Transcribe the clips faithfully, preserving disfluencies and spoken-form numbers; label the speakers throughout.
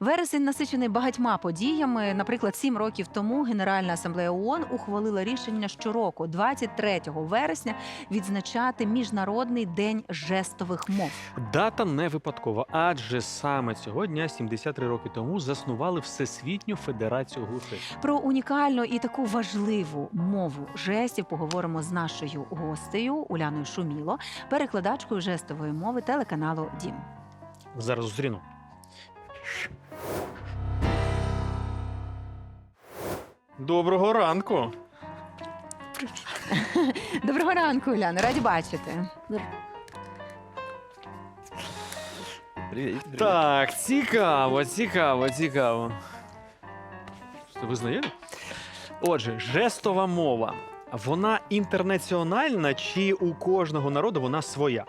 Speaker 1: Вересень насичений багатьма подіями. Наприклад, сім років тому Генеральна асамблея ООН ухвалила рішення щороку, двадцять третього вересня, відзначати Міжнародний день жестових мов.
Speaker 2: Дата не випадкова, адже саме цього дня, сімдесят три роки тому, заснували Всесвітню Федерацію глухих.
Speaker 1: Про унікальну і таку важливу мову жестів поговоримо з нашою гостею Уляною Шуміло, перекладачкою жестової мови телеканалу «Дім».
Speaker 2: Зараз зустріну. Доброго ранку!
Speaker 1: Доброго ранку, Уляна, раді бачити.
Speaker 3: Привіт, привіт.
Speaker 2: Так, цікаво, цікаво, цікаво. Ви знайомі? Отже, жестова мова. Вона інтернаціональна чи у кожного народу вона своя?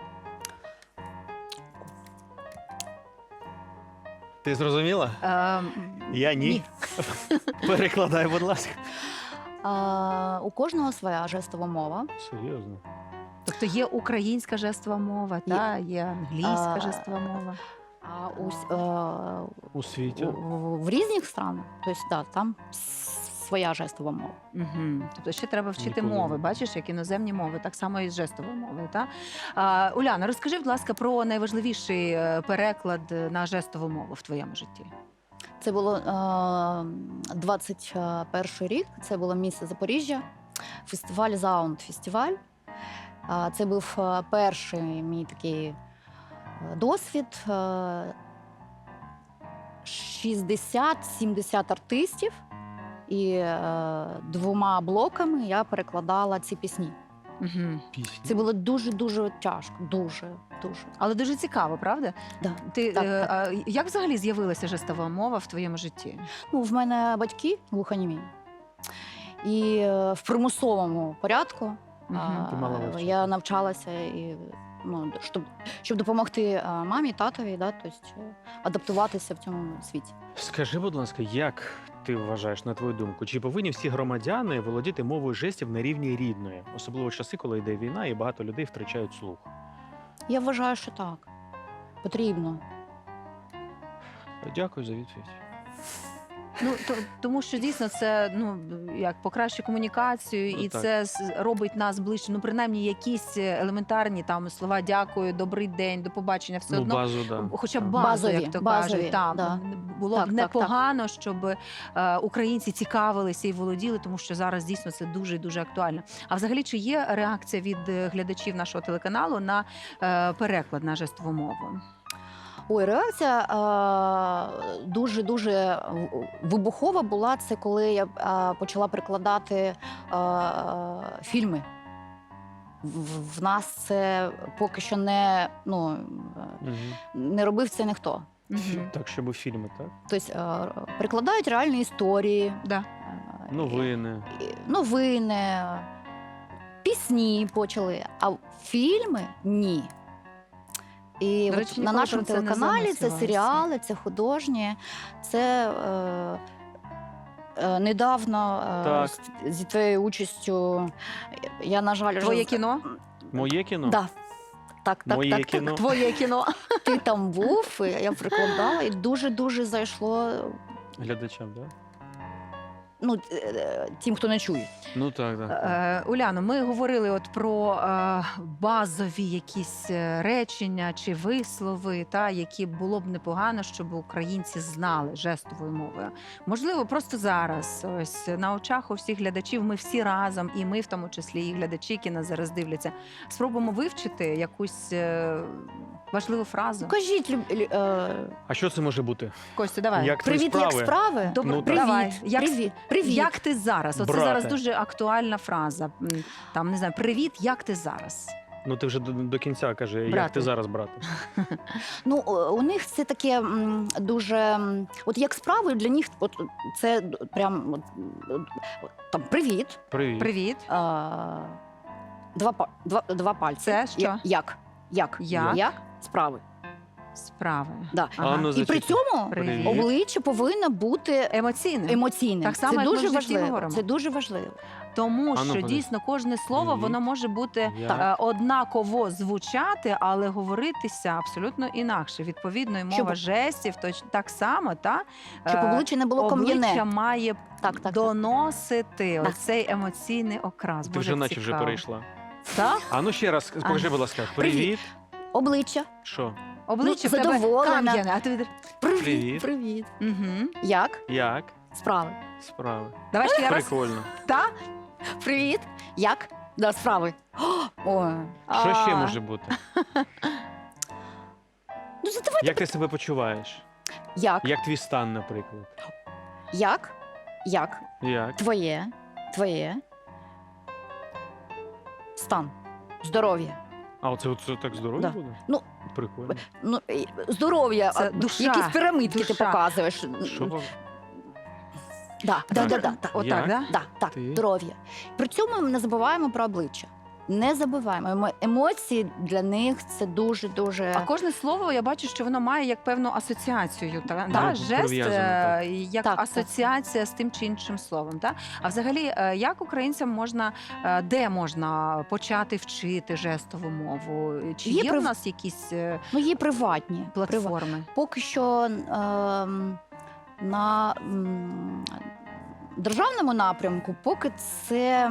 Speaker 2: Ти зрозуміла?
Speaker 1: Ем,
Speaker 2: Я ні.
Speaker 1: ні.
Speaker 2: Перекладай, будь ласка.
Speaker 3: А, у кожного своя жестова мова.
Speaker 2: Серйозно?
Speaker 1: Тобто є українська жестова мова,
Speaker 3: Є.
Speaker 1: та є англійська
Speaker 3: А,
Speaker 1: жестова мова.
Speaker 3: А у, с- е,
Speaker 2: У світі?
Speaker 3: у- в різних странах, тобто, да, там с- своя жестова мова.
Speaker 1: Угу. Тобто ще треба вчити
Speaker 2: Ніколи
Speaker 1: мови,
Speaker 2: не-
Speaker 1: бачиш, як іноземні мови, так само і з жестовою мовою. Та? А, Уляна, розкажи, будь ласка, про найважливіший е, переклад на жестову мову в твоєму житті.
Speaker 3: Це було е, двадцять перший рік, це було місто Запоріжжя, фестиваль Заунд фестиваль. А, Це був е, перший мій такий е, досвід. Е, шістдесят-сімдесят артистів, і е, двома блоками я перекладала ці пісні.
Speaker 1: Угу.
Speaker 2: Пісні.
Speaker 3: Це було дуже-дуже тяжко, дуже, дуже.
Speaker 1: Але дуже цікаво, правда?
Speaker 3: Да.
Speaker 1: Ти,
Speaker 3: Так,
Speaker 1: е,
Speaker 3: так.
Speaker 1: а, як взагалі з'явилася жестова мова в твоєму житті?
Speaker 3: Ну, в мене батьки глухонімі. І е, в примусовому порядку
Speaker 1: Мгм.
Speaker 3: а,
Speaker 2: Ти мала вивчити.
Speaker 3: я навчалася, і, ну, щоб, щоб допомогти а, мамі, татові, да, тобто, е, адаптуватися в цьому світі.
Speaker 2: Скажи, будь ласка, як ти вважаєш, на твою думку, чи повинні всі громадяни володіти мовою жестів на рівні рідної? Особливо в часи, коли йде війна і багато людей втрачають слух.
Speaker 3: Я вважаю, що так. Потрібно.
Speaker 2: Дякую за відповідь.
Speaker 1: Ну, то, тому що дійсно це ну, як покращує комунікацію,
Speaker 2: Ну,
Speaker 1: і
Speaker 2: так.
Speaker 1: це с- робить нас ближче. Ну, принаймні, якісь елементарні там слова «дякую», «добрий день», «до побачення», все
Speaker 2: Ну,
Speaker 1: одно.
Speaker 2: базу, да.
Speaker 1: Хоча б
Speaker 2: Так.
Speaker 1: базу,
Speaker 3: Базові,
Speaker 1: як то
Speaker 3: базові,
Speaker 1: кажуть, там
Speaker 3: да.
Speaker 1: було
Speaker 3: Так,
Speaker 1: б
Speaker 3: так,
Speaker 1: непогано, щоб е, українці цікавилися і володіли, тому що зараз дійсно це дуже і дуже актуально. А взагалі, чи є реакція від е, глядачів нашого телеканалу на е, переклад на жестову мову?
Speaker 3: Ой, реакція е, дуже-дуже вибухова була. Це коли я е, почала перекладати е, фільми. В, в нас це поки що не, ну, е,
Speaker 2: Угу.
Speaker 3: не робив це ніхто.
Speaker 1: Мгм.
Speaker 2: Так, щоб у фільми, так?
Speaker 3: Тобто е, перекладають реальні історії,
Speaker 1: Да.
Speaker 3: е,
Speaker 2: Новини.
Speaker 3: і- новини, пісні почали, а фільми ні. І
Speaker 1: До
Speaker 3: от
Speaker 1: речі,
Speaker 3: на
Speaker 1: ніколи
Speaker 3: нашому
Speaker 1: про це не
Speaker 3: телеканалі це
Speaker 1: замислювалася.
Speaker 3: серіали, це художні, це е, е, недавно е,
Speaker 2: Так.
Speaker 3: з, зі твоєю участю я, на жаль,
Speaker 1: Твоє
Speaker 3: вже-
Speaker 1: кіно?
Speaker 2: Моє кіно?
Speaker 3: Да. Так, так,
Speaker 2: Моє
Speaker 3: так,
Speaker 2: кіно.
Speaker 3: так.
Speaker 1: Твоє кіно.
Speaker 3: Ти там був, і я прикладала, і дуже-дуже зайшло,
Speaker 2: Глядачам, так?
Speaker 3: ну, е, е, тим, хто не чує.
Speaker 2: Ну так, так. так.
Speaker 1: Е, Уляно, ми говорили от про е, базові якісь е, речення чи вислови, та, які було б непогано, щоб українці знали жестовою мовою. Можливо, просто зараз, ось на очах у всіх глядачів, ми всі разом, і ми в тому числі, і глядачі, які нас зараз дивляться, спробуємо вивчити якусь е, важливу фразу.
Speaker 3: Кажіть, люб, лю- е,
Speaker 2: А що це може бути?
Speaker 1: Костю, давай.
Speaker 2: Як твої
Speaker 3: привіт, як
Speaker 2: справи?
Speaker 3: справи?
Speaker 1: Добре,
Speaker 2: Ну, так.
Speaker 3: Привіт,
Speaker 1: давай. Як,
Speaker 3: привіт, привіт.
Speaker 1: як ти зараз? Оце
Speaker 2: Брате.
Speaker 1: зараз дуже актуальна фраза. М, Там, не знаю, привіт, як ти зараз?
Speaker 2: Ну ти вже до, до кінця каже, як
Speaker 1: Брате.
Speaker 2: ти зараз, брате?
Speaker 3: Ну, о, у них це таке м, дуже. м, От як справи для них, от це д- прям от, от, там привіт.
Speaker 2: Привіт.
Speaker 1: Привіт.
Speaker 3: А, два, па- два, два пальці.
Speaker 1: Це що?
Speaker 3: Я- Як? Як?
Speaker 1: Як?
Speaker 3: Як? Справи.
Speaker 1: Справи.
Speaker 3: Да.
Speaker 2: А ну,
Speaker 3: І при
Speaker 2: зачекай.
Speaker 3: цьому
Speaker 1: Привіт.
Speaker 3: обличчя повинно бути
Speaker 1: Емоційне.
Speaker 3: емоційним.
Speaker 1: Так само,
Speaker 3: це
Speaker 1: як ми в
Speaker 3: дуже
Speaker 1: житті
Speaker 3: важливо.
Speaker 1: говоримо.
Speaker 3: Це дуже важливо.
Speaker 1: Тому
Speaker 2: А ну,
Speaker 1: що
Speaker 2: подивись.
Speaker 1: дійсно кожне слово
Speaker 2: Привіт.
Speaker 1: воно може бути
Speaker 2: Як?
Speaker 1: е, однаково звучати, але говоритися абсолютно інакше. Відповідно, і мова
Speaker 3: Щоб-
Speaker 1: жестів точ так само, та
Speaker 3: Щоб
Speaker 1: е,
Speaker 3: обличчя не було
Speaker 1: обличчя
Speaker 3: кам'яне.
Speaker 1: має
Speaker 3: Так, так, так.
Speaker 1: доносити
Speaker 3: Так.
Speaker 1: оцей емоційний окрас.
Speaker 2: Ти
Speaker 1: Боже,
Speaker 2: вже
Speaker 1: як
Speaker 2: наче вже
Speaker 1: цікаво.
Speaker 2: перейшла.
Speaker 1: Так?
Speaker 2: А ну ще раз, покажи, будь ласка. Привіт.
Speaker 3: Обличчя.
Speaker 2: Що?
Speaker 1: Обличчя
Speaker 3: Ну,
Speaker 1: в тебе
Speaker 3: задоволена.
Speaker 1: кам'яне, а ти
Speaker 3: Привіт.
Speaker 2: Привіт.
Speaker 3: Привіт.
Speaker 1: угу.
Speaker 3: Як?
Speaker 2: Як?
Speaker 3: Справи.
Speaker 2: Справи.
Speaker 1: Давай ще раз.
Speaker 2: Прикольно.
Speaker 1: Та?
Speaker 3: Привіт. Як? Да, справи. О,
Speaker 2: Що ще
Speaker 1: А,
Speaker 2: може бути?
Speaker 3: ну задавайте.
Speaker 2: Як ти себе почуваєш?
Speaker 3: Як?
Speaker 2: Як твій стан, наприклад?
Speaker 3: Як? Як?
Speaker 2: Як?
Speaker 3: Твоє. Твоє. Стан. Здоров'я.
Speaker 2: А оце, оце так здоров'я
Speaker 3: Да.
Speaker 2: буде?
Speaker 3: Ну,
Speaker 2: Прикольно.
Speaker 3: Ну, і- здоров'я.
Speaker 1: Це
Speaker 3: а,
Speaker 1: душа,
Speaker 3: Якісь пірамидки ти
Speaker 1: душа.
Speaker 3: показуєш.
Speaker 2: Що вам?
Speaker 3: Да, да,
Speaker 2: Так.
Speaker 3: да, да, да.
Speaker 1: Отак,
Speaker 2: Як?
Speaker 1: да?
Speaker 3: Да, так,
Speaker 2: Ти?
Speaker 3: здоров'я. При цьому ми не забуваємо про обличчя. Не забуваємо. Емо- Емоції для них це дуже-дуже.
Speaker 1: А кожне слово я бачу, що воно має як певну асоціацію. Та,
Speaker 2: Так,
Speaker 1: та, жест
Speaker 2: прив'язано,
Speaker 1: е,
Speaker 2: так.
Speaker 1: як
Speaker 3: Так, так.
Speaker 1: асоціація з тим чи іншим словом. Та? А взагалі, е, як українцям можна, е, де можна почати вчити жестову мову? Чи
Speaker 3: Є
Speaker 1: є,
Speaker 3: прив-
Speaker 1: в нас якісь е,
Speaker 3: Ну, є приватні. Прива-
Speaker 1: платформи?
Speaker 3: Поки що ем, на м, державному напрямку, поки це.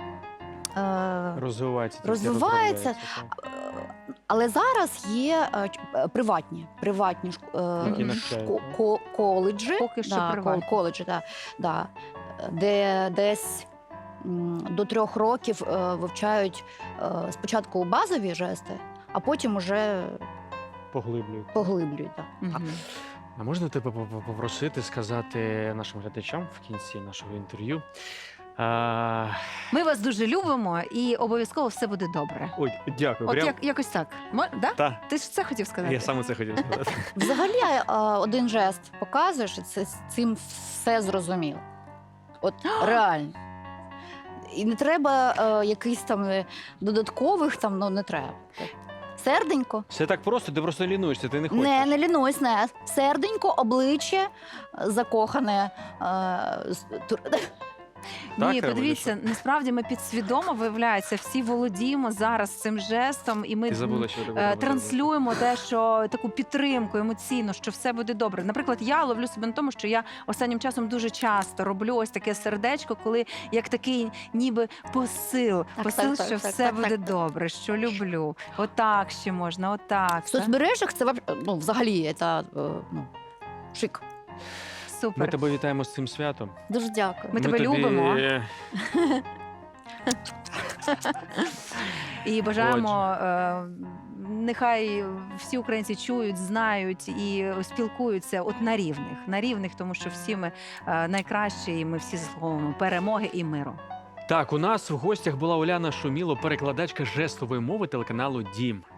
Speaker 3: Е,
Speaker 2: Розвивається. тільки
Speaker 3: Розвивається.
Speaker 2: розробляється, так.
Speaker 3: Е, Але зараз є е, ч- е, приватні, приватні шк- е,
Speaker 2: Які
Speaker 3: ш-
Speaker 2: навчають,
Speaker 3: ко-
Speaker 2: так?
Speaker 3: ко- коледжі,
Speaker 1: Поки що
Speaker 3: да,
Speaker 1: приватні.
Speaker 3: кол- коледжі, да, да, де десь м, до трьох років е, вивчають е, спочатку базові жести, а потім уже
Speaker 2: Поглиблюють.
Speaker 3: поглиблюють. Да.
Speaker 1: Мгм.
Speaker 2: А можна тебе поп- попросити сказати нашим глядачам в кінці нашого інтерв'ю? А...
Speaker 1: Ми вас дуже любимо і обов'язково все буде добре.
Speaker 2: Ой, дякую.
Speaker 1: От
Speaker 2: Прям...
Speaker 1: як, якось так. Мо- да?
Speaker 2: Та,
Speaker 1: Ти ж це хотів сказати?
Speaker 2: я саме це хотів сказати.
Speaker 3: Взагалі е, один жест показуєш, і це з цим все зрозуміло. От реально. І не треба е, якихось там е, додаткових, там, ну не треба. Серденько.
Speaker 2: Все так просто, ти просто лінуєшся, ти не хочеш.
Speaker 3: Не, не лінусь, не. Серденько, обличчя е, закохане. Е, з- тур-
Speaker 2: Так,
Speaker 1: Ні,
Speaker 2: Ева,
Speaker 1: подивіться, насправді ми підсвідомо, виявляється, всі володіємо зараз цим жестом, і ми
Speaker 2: Ти забула, що ти
Speaker 1: е, транслюємо те, що таку підтримку емоційну, що все буде добре. Наприклад, я ловлю себе на тому, що я останнім часом дуже часто роблю ось таке сердечко, коли як такий ніби посил,
Speaker 3: Так,
Speaker 1: посил,
Speaker 3: так, так,
Speaker 1: що
Speaker 3: так,
Speaker 1: все
Speaker 3: так,
Speaker 1: буде
Speaker 3: так, так.
Speaker 1: добре, що люблю. Отак ще можна, отак.
Speaker 3: В
Speaker 1: та?
Speaker 3: соцмережах це вап- ну, взагалі це, е, ну, шик.
Speaker 2: Ми
Speaker 1: Супер.
Speaker 2: тебе вітаємо з цим святом.
Speaker 3: Дуже дякую.
Speaker 1: Ми тебе
Speaker 2: тобі-
Speaker 1: любимо. І бажаємо, е, нехай всі українці чують, знають і спілкуються от на рівних, на рівних, тому що всі ми е, найкращі, і ми всі заслуговуємо перемоги і миру.
Speaker 2: Так, у нас в гостях була Уляна Шуміло, перекладачка жестової мови телеканалу Дім.